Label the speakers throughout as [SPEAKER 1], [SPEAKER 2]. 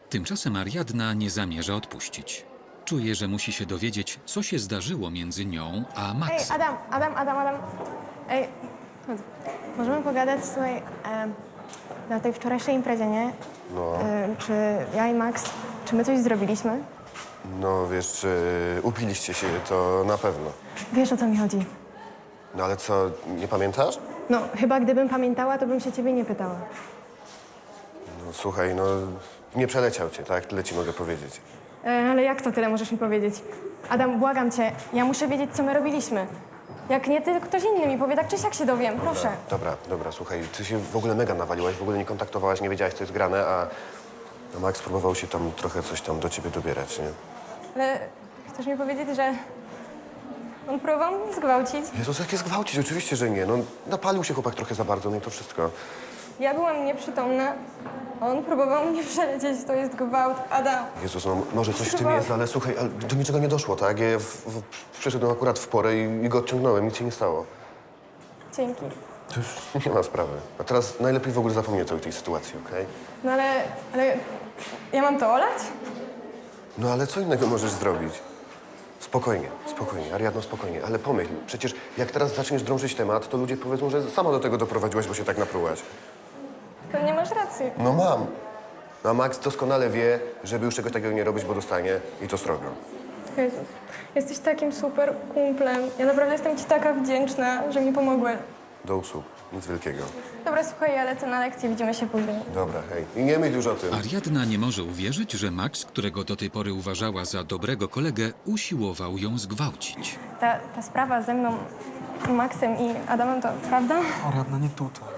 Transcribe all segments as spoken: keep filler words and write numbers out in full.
[SPEAKER 1] Tymczasem Ariadna nie zamierza odpuścić. Czuje, że musi się dowiedzieć, co się zdarzyło między nią a
[SPEAKER 2] Ej,
[SPEAKER 1] Maxem.
[SPEAKER 2] Adam, Adam, Adam, Adam. Ej, chodź. Możemy pogadać, słuchaj, e, na tej wczorajszej imprezie, nie?
[SPEAKER 3] No,
[SPEAKER 2] E, czy ja i Max, czy my coś zrobiliśmy?
[SPEAKER 3] no wiesz, czy upiliście się, to na pewno.
[SPEAKER 2] Wiesz, o co mi chodzi?
[SPEAKER 3] No ale co, nie pamiętasz?
[SPEAKER 2] No, chyba gdybym pamiętała, to bym się ciebie nie pytała.
[SPEAKER 3] No słuchaj, no nie przeleciał cię, tak? Tyle ci mogę powiedzieć.
[SPEAKER 2] E, ale jak to tyle możesz mi powiedzieć? Adam, błagam cię, ja muszę wiedzieć, co my robiliśmy. Jak nie ty, ktoś inny mi powie, tak czy siak się dowiem, proszę.
[SPEAKER 3] Dobra, dobra, słuchaj, ty się w ogóle mega nawaliłaś, w ogóle nie kontaktowałaś, nie wiedziałaś, co jest grane, a a Max próbował się tam trochę coś tam do ciebie dobierać, nie?
[SPEAKER 2] Ale chcesz mi powiedzieć, że on próbował mnie zgwałcić?
[SPEAKER 3] Jezus, jak jest gwałcić? Oczywiście, że nie. No, napalił się chłopak trochę za bardzo, no i to wszystko.
[SPEAKER 2] Ja byłam nieprzytomna, a on próbował mnie przelecieć, to jest gwałt. Adam,
[SPEAKER 3] Jezus, no może coś w tym
[SPEAKER 2] Chyba-
[SPEAKER 3] jest, ale słuchaj, ale do niczego nie doszło, tak? Ja w, w, przyszedłem akurat w porę i, i go odciągnąłem, nic się nie stało.
[SPEAKER 2] dzięki.
[SPEAKER 3] To już nie ma sprawy. A teraz najlepiej w ogóle zapomnij o całej tej sytuacji, okej?
[SPEAKER 2] No ale, ale ja mam to olać?
[SPEAKER 3] No ale co innego możesz zrobić? Spokojnie, spokojnie, Ariadno, spokojnie, ale pomyśl, przecież jak teraz zaczniesz drążyć temat, to ludzie powiedzą, że sama do tego doprowadziłaś, bo się tak naprułaś.
[SPEAKER 2] Pewnie masz rację.
[SPEAKER 3] No mam. A Max doskonale wie, żeby już czegoś takiego nie robić, bo dostanie i to srogo.
[SPEAKER 2] Jezus, jesteś takim super kumplem. Ja naprawdę jestem ci taka wdzięczna, że mi pomogłeś.
[SPEAKER 3] Do usług, nic wielkiego.
[SPEAKER 2] Dobra, słuchaj, ja lecę na lekcję, widzimy się później.
[SPEAKER 3] Dobra, hej. I nie myśl już o tym.
[SPEAKER 1] Ariadna nie może uwierzyć, że Max, którego do tej pory uważała za dobrego kolegę, usiłował ją zgwałcić.
[SPEAKER 2] Ta, ta sprawa ze mną, Maxem i Adamem, to prawda?
[SPEAKER 4] Ariadna, nie tutaj.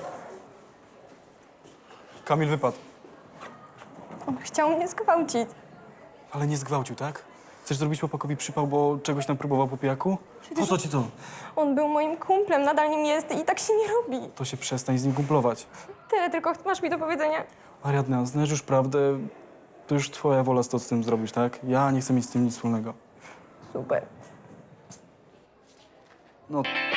[SPEAKER 4] Kamil wypadł,
[SPEAKER 2] On chciał mnie zgwałcić.
[SPEAKER 4] ale nie zgwałcił, tak? Chcesz zrobić chłopakowi przypał, bo czegoś tam próbował po pijaku? Po co ci to?
[SPEAKER 2] On był moim kumplem, nadal nim jest i tak się nie robi.
[SPEAKER 4] To się przestań z nim kumplować.
[SPEAKER 2] Tyle tylko masz mi do powiedzenia.
[SPEAKER 4] Ariadna, znasz już prawdę, to już twoja wola, co z tym zrobisz, tak? Ja nie chcę mieć z tym nic wspólnego.
[SPEAKER 2] Super.
[SPEAKER 4] No.